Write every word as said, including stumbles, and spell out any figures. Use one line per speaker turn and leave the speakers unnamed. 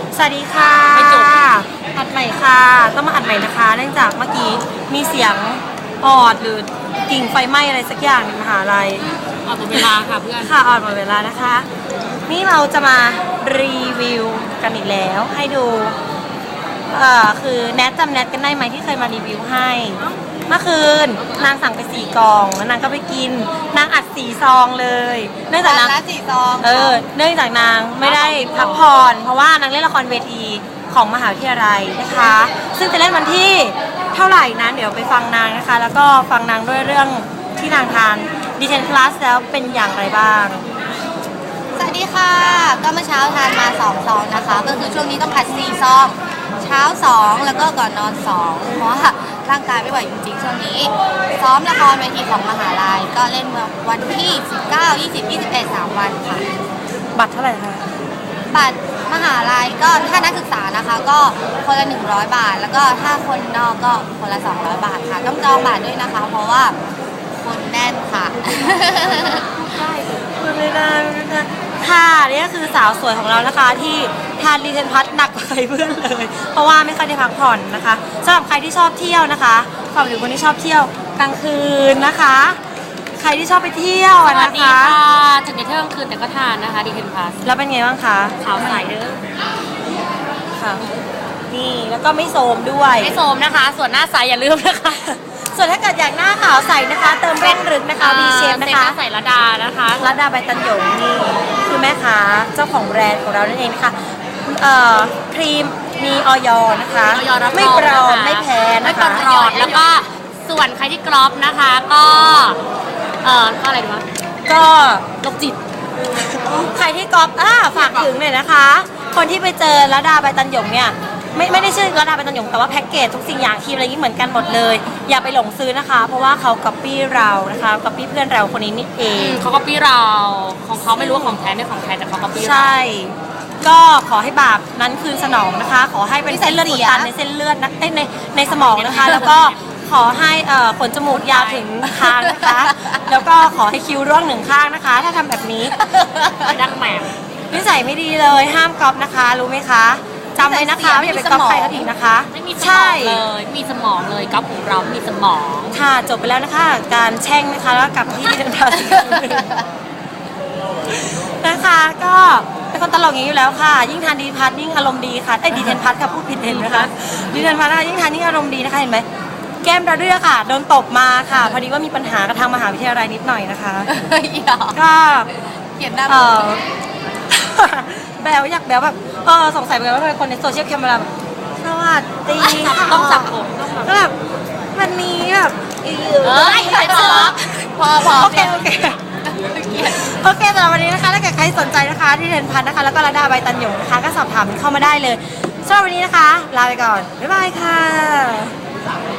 สวัสดีค่ะอัดใหม่ค่ะต้องมาอัดใหม่นะคะเนื่องจากเมื่อกี้มีเสียงออดหรือกิ่งไฟไหม้อะไรสักอย่างในมหาลัย
ออดหมดเวลาค่ะเพื่อน
ค่ะออดหมดเวลานะคะนี่เราจะมารีวิวกันอีกแล้วให้ดูเอ่อคือแนทจำแนทกันได้ไหมที่เคยมารีวิวให้เมื่อคืนนางสั่งไปสี่กล่องแล้วนางก็ไปกินนางอัดสี่ซองเลยเนื่องจากนาง
สี่ซอง
เออเนื่องจากนางไม่ได้พักผ่อนเพราะว่านางเล่นละครเวทีของมหาวิทยาลัยนะคะซึ่งจะเล่นวันที่เท่าไหร่นั้นเดี๋ยวไปฟังนางนะคะแล้วก็ฟังนางด้วยเรื่องที่นางทานดีเทนพลัสแล้วเป็นอย่างไรบ้าง
สวัสดีค่ะก็เมื่อเช้าทานมาสองซองนะคะก็คือช่วงนี้ต้องอัดสี่ซองเช้าสองแล้วก็ก่อนนอนสองเพราะว่าร่างกายไม่ไหวจริงๆช่วงนี้ซ้อมละครเวทีของมหาลัยก็เล่นวันที่สิบเก้า ยี่สิบ ยี่สิบเอ็ด สามวันค่ะ
บัตรเท่าไหร่คะ
บัตรมหาลัยก็ถ้านักศึกษานะคะก็คนละหนึ่งร้อยบาทแล้วก็ถ้าคนนอกก็คนละสองร้อยบาทค่ะต้องจองบัตรด้วยนะคะเพราะว่าคนแน่นค่ะ
ไม่ได้ไม่ได้ค่ะนี่ก็คือสาวสวยของเรานะคะที่ทานดีเทนพัทหนักกว่าใครเพื่อนเลยเพราะว่าไม่ค่อยได้พักผ่อนนะคะสำหรับใครที่ชอบเที่ยวนะคะฝากถึงคนที่ชอบเที่ยวกลางคืนนะคะใครที่ชอบไปเที่ยวนะคะสวัสดี
ค่ะถึงจะเที่ยวกลางคืนแต่ก็ทานนะคะดีเทนพัท
แล้วเป็นไงบ้างคะ
ขาวใสเด้อ
ค่ะนี่แล้วก็ไม่โทรมด้วย
ไม่โทรมนะคะส่วนหน้าใสอย่าลืมนะคะ
ส่วนถ้าเกิดอยากหน้าขาวใสนะคะเติมเร่งรึกนะคะมีเชฟนะคะ
ใส่ระดานะคะ
ระดาใบตันหยงนี่คือแม่ค้าเจ้าของแบรนด์ของเรานั่นเองนะคะเอ่อครีมมีออยนะคะไม่ปลอมไม่แพ้นะคะ
ไม่ปลอมแล้วก็ส่วนใครที่กรอบนะคะก็เอ่อก็อะไรดีวะ
ก็
โรคจิต
ใครที่กรอบอ่าฝากถึงเลยนะคะคนที่ไปเจอระดาใบตันหยงเนี่ยไม่ไม่ได้ชื่อระดาใบตันหยงแต่ว่าแพ็กเกจทุกสิ่งอย่างครีมอะไรนี้เหมือนกันหมดเลยอย่าไปหลงซื้อนะคะเพราะว่าเขาก๊อปปี้เรานะคะก๊อปปี้เพื่อนเราคนนี้นี่เอง
เขาก๊อปปี้เราของเขาไม่รู้ว่าของแท้ไม่ของแท้แต่เขาก๊อปปี้เรา
ใช่ก็ขอให้บาปนั้นคืนสนองนะคะขอให้เป็นเส้นเลือดอุดตันในเส้นเลือดนะในในสมองนะคะแล้วก็ขอให้ขนจมูกยาวถึงคางนะคะแล้วก็ขอให้คิ้วร่วงหนึ่งข้างนะคะถ้าทำแบบนี้
ดังแหม
นิสัยไม่ดีเลยห้ามก๊อปนะคะรู้ไหมคะจำไว้นะคะอย่าไปก๊อปใครเขาอีกนะคะ
ไม่มีสมองเลยมีสมองเลยก๊อปของเรามีสมอง
ค่ะจบไปแล้วนะคะการแช่งนะคะแล้วกลับที่เดิมพันนะคะก็เป็นคนตลกอย่างนี้อยู่แล้วค่ะยิ่งทานดีพัทยิ่งอารมณ์ดีค่ะไอ้ดีเทนพัทค่ะพูดผิดเห็นนะคะดีเทนพัทยิ่งทานยิ่งอารมณ์ดีนะคะเห็นไหมแก้มระเรื่อค่ะโดนตบมาค่ะพอดีว่ามีปัญหากับทางมหาวิทยาลัยนิดหน่อยนะคะก็
เขียนหน้า
แบลอยากแบลแบบเออสงสัยเหมือนกันว่าเป็นคนในโซเชียลแคมเปญสวัสดี
ต้องจับผม
ก็แบบวันนี้แบบ
เออใส่ตัว
พอพอโอเคโอเคโอเคสำหรับวันนี้นะคะถ้าเกิดใครสนใจนะคะที่เทนพัทนะคะแล้วก็ระดาใบตันหยงนะคะก็สอบถามเข้ามาได้เลยสำหรับวันนี้นะคะลาไปก่อนบ๊ายบายค่ะ